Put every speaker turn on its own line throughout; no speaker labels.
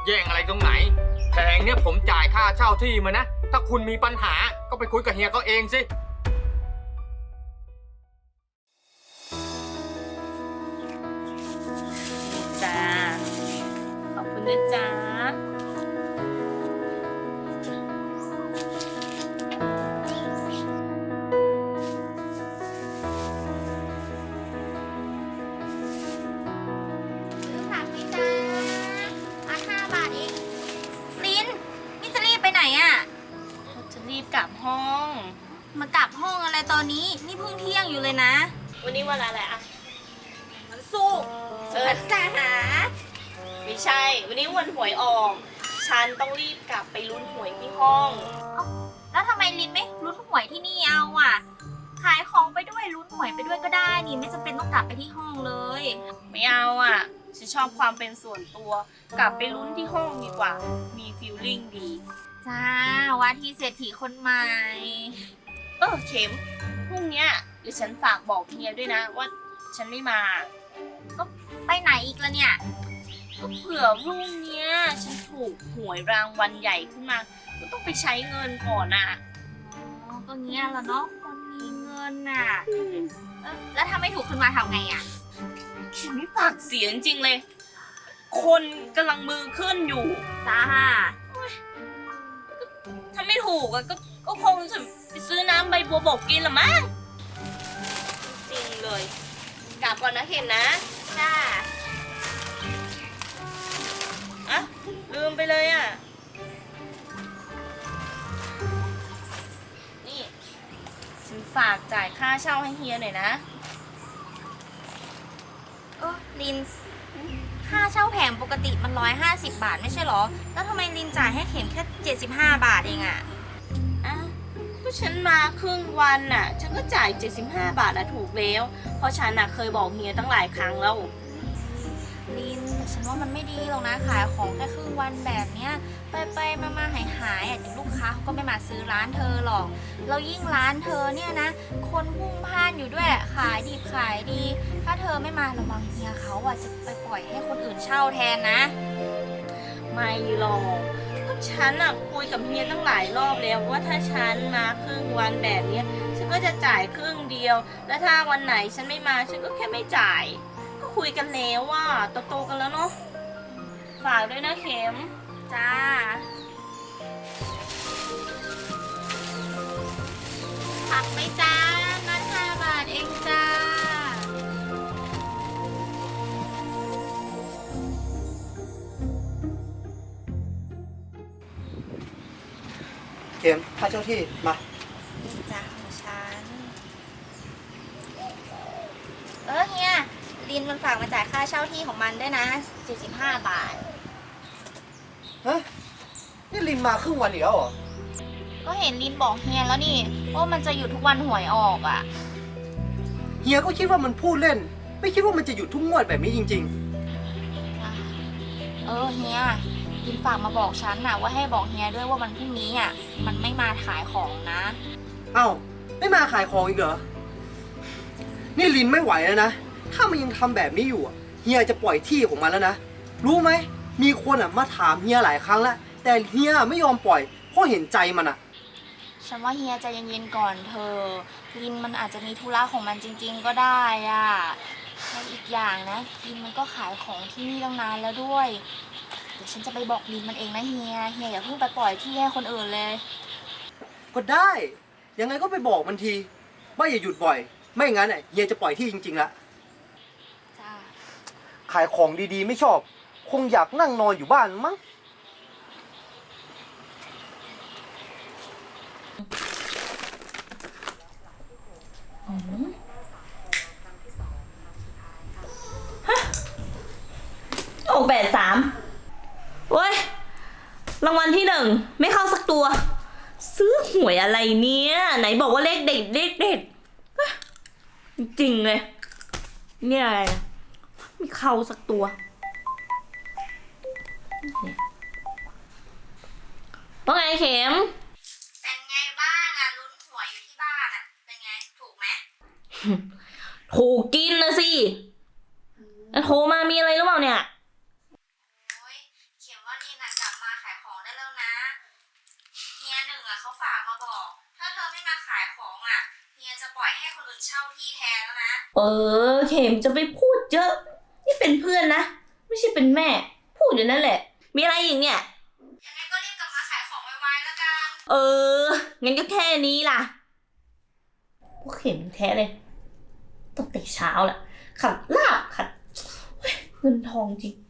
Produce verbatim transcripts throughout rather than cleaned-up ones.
แย่งอะไรตรงไหนแผงเนี่ยผมจ่ายค่าเช่าที่มานะถ้าคุณมีปัญหาก็ไปคุยกับเฮียเขาเองสิ
จ้าขอบคุณนะจ๊ะ
ซื้อผักไหมจ้ามาห้าบาทเองลินนี่จะรีบไปไหนอะ่ะ
จะรีบกลับห้อง
มากลับห้องอะไรตอนนี้นี่เพิ่งเที่ยงอยู่เลยนะ
วันนี้วันอะไรอะ
มันสุกร์
เออ
สาหา
ไม่ใช่ วันนี้วันหวยออก ฉันต้องรีบกลับไปลุ้นหวยที่ห้อง
แล้วทำไมลินไม่ลุ้นหวยที่นี่เอาอ่ะ ขายของไปด้วยลุ้นหวยไปด้วยก็ได้นี่ไม่จำเป็นต้องกลับไปที่ห้องเลย
ไม่เอาอ่ะ ฉันชอบความเป็นส่วนตัว กลับไปลุ้นที่ห้องดีกว่า มีฟีลลิ่งดี
จ้าว่าที่เศรษฐีคนใหม่
เออเข็มพรุ่งเนี้ยเดี๋ยวฉันฝากบอกเฮียด้วยนะว่าฉันไม่มา
ก็ไปไหนอีกละเนี่ย
ก็เผื่อพรุ่งเนี้ยฉันถูกหวยรางวัลใหญ่ขึ้นมา ก็ต้องไปใช้เงินก่อนอ่ะ
อ๋อก็เงี้ยแหละเนาะคนมีเงินน่ะเอ้อแล้วถ้าไม่ถูกขึ้นมาทำไงอ่ะ
ฉันไม่ปากเสียจริงๆเลย คนกำลังมือขึ้นอยู่
จ้า
ถ้าไม่ถูกอะก็ก็คงจะไปซื้อน้ำใบบัวบกกินละมั้งจริงเลย กลับก่อนนะเข็มนะ
จ้า
อะลืมไปเลยอะนี่ฉันฝากจ่ายค่าเช่าให้เฮียหน่อยนะ
เออลิน ค่าเช่าแผงปกติมันร้อยห้าสิบบาทไม่ใช่หรอ แล้วทำไมลินจ่ายให้เข็มแค่เจ็ดสิบห้าบาทเองอะ
อ่ะก็ฉันมาครึ่งวันน่ะ ฉันก็จ่ายเจ็ดสิบห้าบาทนะถูกแล้ว เพราะฉันน่ะเคยบอกเฮียตั้งหลายครั้งแล้ว
ลินแต่ฉันว่ามันไม่ดีหรอกนะขายของแค่ครึ่งวันแบบเนี้ยไปไปมามาหายหายๆอ่ะเดี๋ยวลูกค้าเขาก็ไม่มาซื้อร้านเธอหรอกแล้วยิ่งร้านเธอเนี่ยนะ คนพุ่งพล่านอยู่ด้วยขายดีขายดี ถ้าเธอไม่มาระวังเฮียเขาอ่ะจะไปปล่อยให้คนอื่นเช่าแทนนะ
ไม่หรอกก็ฉันอะคุยกับเฮียตั้งหลายรอบแล้วว่าถ้าฉันมาครึ่งวันแบบเนี้ยฉันก็จะจ่ายครึ่งเดียว แล้วถ้าวันไหนฉันไม่มาฉันก็แค่ไม่จ่าย ก็คุยกันแล้วว่าโตๆกันแล้วเนาะฝากด้วยนะเข็ม
จ้าผักไหมจ้านัดห้าบาทเองจ้า
เข็มค่าเช่าที่มา
จ้าของฉัน เออเฮียลินมันฝากมาจ่ายค่าเช่าที่ของมันด้วยนะเจ็ดสิบห้าบาท
ฮะ นี่ลินมาครึ่งวันอีกแล้วเหรอ
ก็เห็นลินบอกเฮียแล้วนี่ว่ามันจะหยุดทุกวันหวยออกอ่ะ
เฮียก็คิดว่ามันพูดเล่น ไม่คิดว่ามันจะหยุดทุกงวดแบบนี้จริง
เออเฮียลินฝากมาบอกฉันน่ะว่าให้บอกเฮียด้วยว่าวันพรุ่งนี้อ่ะมันไม่มาขายของนะ
ๆ เอ้า ไม่มาขายของอีกเหรอ นี่ลินไม่ไหวแล้วนะ ถ้ามันยังทำแบบนี้อยู่อะเฮียจะปล่อยที่ของมันแล้วนะ รู้ไหม มีคนอ่ะมาถามเฮียหลายครั้งแล้ว แต่เฮียไม่ยอมปล่อย เพราะเห็นใจมันอ่ะ
ฉันว่าเฮียใจเย็นๆก่อนเธอลินมันอาจจะมีธุระของมันจริงๆก็ได้อ่ะแล้วอีกอย่างนะลินมันก็ขายของที่นี่ตั้งนานแล้วด้วย เดี๋ยวฉันจะไปบอกลินมันเองนะเฮีย เฮียอย่าเพิ่งไปปล่อยที่ให้คนอื่นเลย
ก็ได้ ยังไงก็ไปบอกมันทีว่าอย่าหยุดบ่อย ไม่งั้นอ่ะเฮียจะปล่อยที่จริงๆละ
จ้า
ขายของดีๆไม่ชอบ คงอยากนั่งนอนอยู่บ้านมั้ง
โอ้แปดสามเว้ย รางวัลที่หนึ่งไม่เข้าสักตัว ซื้อหวยอะไรเนี่ย ไหนบอกว่าเลขเด็ดเลขเด็ดเฮ้ยจริงๆเลย เนี่ยอะไรนะไม่เข้าสักตัวว่าไงเข็ม
เป็นไงบ้างอ่ะลุ้นหวยอยู่ที่บ้านอ่ะ เป็นไงถูกไหม
ถูกกินนะสิแล้วโทรมามีอะไรหรือเปล่าเนี่ย
โอ้ยเขียนว่าลินอ่ะนเช่าที่แทนแล้วนะ
เออเข็มจะไปพูดเยอะนี่เป็นเพื่อนนะไม่ใช่เป็นแม่พูดอยู่นั่นแหละมีอะไรอีกเนี่ย
ยังไงก็รีบกลับมาขายของไวๆแล้วกัน
เอองั้นก็แค่นี้ล่ะพวกเข็มแท้เลยตั้งแต่เช้าแหละขัดลาบขัดเฮ้ยเงินทองจริง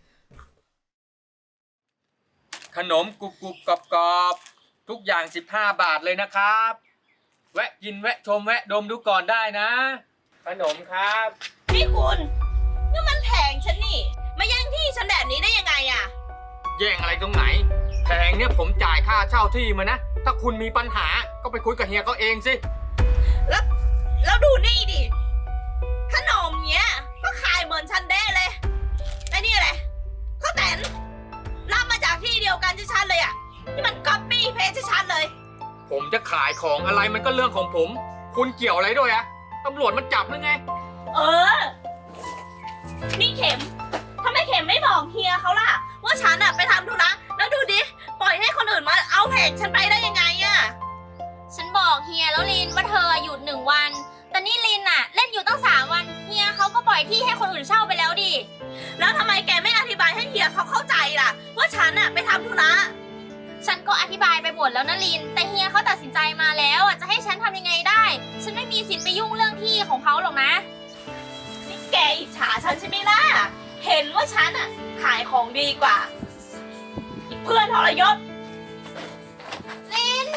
ขนมกรุบกรุบกรอบกรอบๆทุกอย่างสิบห้าบาทเลยนะครับ แวะกินแวะชมแวะดมดูก่อนได้นะ ขนมครับ
นี่คุณนี่มันแผงฉันนี่มาแย่งที่ฉันแบบนี้ได้ยังไงอะ
แย่งอะไรตรงไหนแพงเนี่ยผมจ่ายค่าเช่าที่มานะ ถ้าคุณมีปัญหาก็ไปคุยกับเฮียเขาเองสิ
แล้วแล้วดูนี่ดิขนมเนี้ยก็ขายเหมือนฉันได้เลยไอ้นี่อะไรข้าวแตนรับมาจากที่เดียวกันชัดๆเลยอะนี่มันก๊อปปี้เพจชัดๆเลย
ผมจะขายของอะไรมันก็เรื่องของผม คุณเกี่ยวอะไรด้วยอะตำรวจมันจับหรือไง
เออ นี่เข็มทำไมเข็มไม่บอกเฮียเขาล่ะ ว่าฉันอะไปทำธุระแล้วดูดิ ปล่อยให้คนอื่นมาเอาแผงฉันไปได้ยังไงอะ
ฉันบอกเฮียแล้วลินว่าเธอหยุดหนึ่งวัน แต่นี่ลินอะเล่นอยู่ตั้งสามวันเฮียเขาก็ปล่อยที่ให้คนอื่นเช่าไปแล้วดิ
แล้วทำไมแกไม่อธิบายให้เฮียเขาเข้าใจล่ะ ว่าฉันอะไปทำธุระ
ฉันก็อธิบายไปหมดแล้วนะลิน แต่เฮียเขาตัดสินใจมาแล้วอะจะให้ฉันทำยังไงได้ ฉันไม่มีสิทธิ์ไปยุ่งเรื่องที่ของเขาหรอกนะ
นี่แกอิจฉาฉันใช่ไหมล่ะ เห็นว่าฉันอะขายของดีกว่าอีเพื่อนทรยศ
ลิน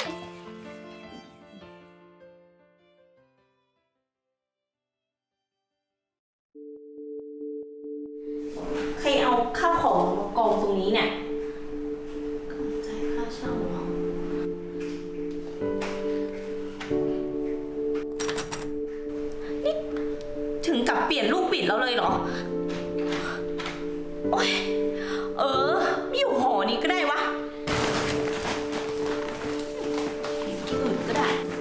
ใครเอาข้าวของมากองตรงนี้เนี่ยจ่ายค่าเช่าเหรอนี่ถึงกับเปลี่ยนลูกปิดแล้วเลยเหรอ โอ๊ย เออไม่อยู่หอนี้ก็ได้วะอยู่ที่อื่นก็ได้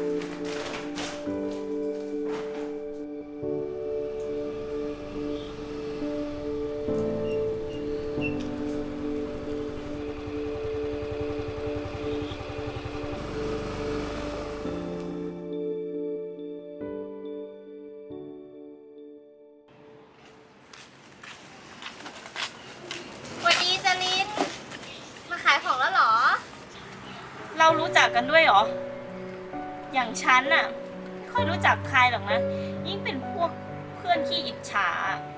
สวัสดีจาลิน มาขายของแล้วเหรอ
เรารู้จักกันด้วยเหรอ อย่างฉันน่ะไม่ค่อยรู้จักใครหรอกนะ ยิ่งเป็นพวกเพื่อนขี้อิจฉา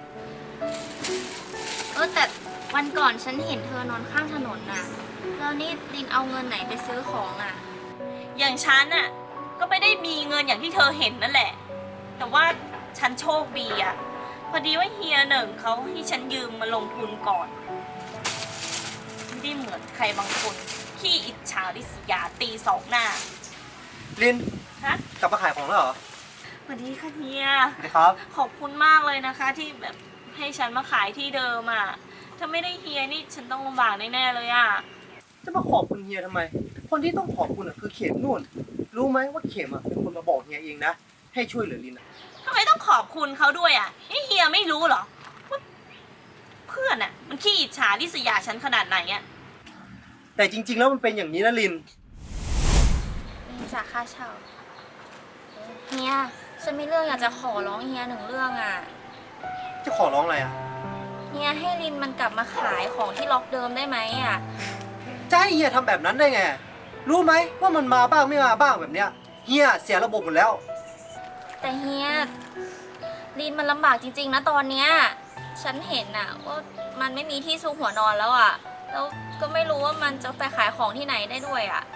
เออแต่วันก่อนฉันเห็นเธอนอนข้างถนนน่ะ แล้วนี่ลินเอาเงินไหนไปซื้อของอ่ะ
อย่างฉันน่ะก็ไม่ได้มีเงินอย่างที่เธอเห็นนั่นแหละ แต่ว่าฉันโชคดีอ่ะ พอดีว่าเฮียหนึ่งเขาให้ฉันยืมมาลงทุนก่อน ไม่ได้เหมือนใครบางคนขี้อิจฉาริษยาตีสองหน้า
ลิน
ฮะ
กลับมาขายของแล้วเหรอ
สวัสดีค่ะเฮีย
สวัสดีครับ
ขอบคุณมากเลยนะคะที่แบบให้ฉันมาขายที่เดิมอ่ะ ถ้าไม่ได้เฮียนี่ฉันต้องลำบากแน่ๆเลยอ่ะ
จะมาขอบคุณเฮียทำไม คนที่ต้องขอบคุณอ่ะคือเข็มนู่น รู้ไหมว่าเข็มอ่ะเป็นคนมาบอกเฮียเองนะ ให้ช่วยเหลือลินอะ
ทำไมต้องขอบคุณเขาด้วยอ่ะ นี่เฮียไม่รู้เหรอว่าเพื่อนอ่ะ มันขี้อิจฉาริษยาฉันขนาดไหนอ่ะ
แต่จริง ๆ แล้วมันเป็นอย่างนี้นะลิน
ลินจากค่าเช่า เฮีย ฉันมีเรื่องอยากจะขอร้องเฮียหนึ่งเรื่องอ่ะ
จะขอร้องอะไรอ่ะ
เฮียให้ลินมันกลับมาขายของที่ล็อกเดิมได้ไหมอ่ะ
จะให้เฮียทำแบบนั้นได้ไง รู้ไหมว่ามันมาบ้างไม่มาบ้างแบบเนี้ย เฮียเสียระบบหมดแล้ว
แต่เฮียลินมันลำบากจริงๆนะตอนเนี้ย ฉันเห็นอ่ะว่ามันไม่มีที่ซุกหัวนอนแล้วอ่ะ แล้วก็ไม่รู้ว่ามันจะไปขายของที่ไหนได้ด้วยอ่ะ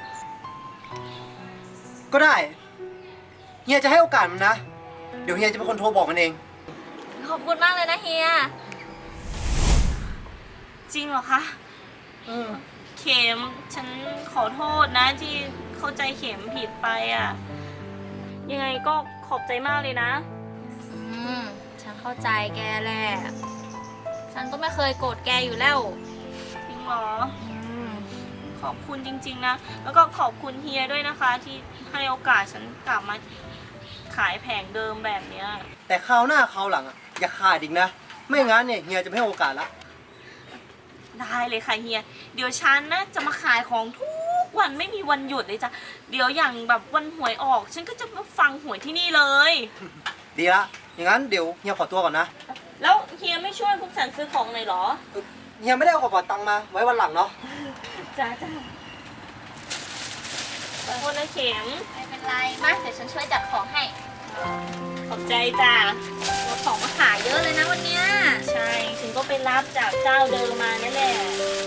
ก็ได้ เฮียจะให้โอกาสมันนะ เดี๋ยวเฮียจะเป็นคนโทรบอกมันเอง
ขอบคุณมากเลยนะเฮีย
จริงเหรอคะ
อืม
เข็มฉันขอโทษนะที่เข้าใจเข็มผิดไปอ่ะ ยังไงก็ขอบใจมากเลยนะ
อืม ฉันเข้าใจแกแหละ ฉันก็ไม่เคยโกรธแกอยู่แล้ว
จริงเหรอ
อืม
ขอบคุณจริงๆนะ แล้วก็ขอบคุณเฮียด้วยนะคะ ที่ให้โอกาสฉันกลับมาขายแผงเดิมแบบเนี้ย
แต่คราวหน้าคราวหลังอ่ะอย่าขาดอีกนะ ไม่งั้นเนี่ยเฮียจะไม่ให้โอกาสละ
ได้เลยค่ะเฮีย เดี๋ยวฉันนะจะมาขายของทุกกวันไม่มีวันหยุดเลยจ้ะเดี๋ยวอย่างแบบวันหวยออก ฉันก็จะมาฟังหวยที่นี่เลย
ดีละ อย่างนั้นเดี๋ยวเฮียขอตัวก่อนนะ
แล้วเฮียไม่ช่วยพวกฉันซื้อของหน่อยเหรอ
เฮียไม่ได้เอากระเป๋าตังค์มาไว้วันหลังเนาะ
จ้าจ้าขอโทษนะเข็ม
ไม่เป็นไรมาเดี๋ยวฉันช่วยจัดของให้
ขอบใจจ้า
ของมาขายเยอะเลยนะวันเนี้ย
ใช่ ฉันก็ไปรับจากเจ้าเดิมมานั่นแหละ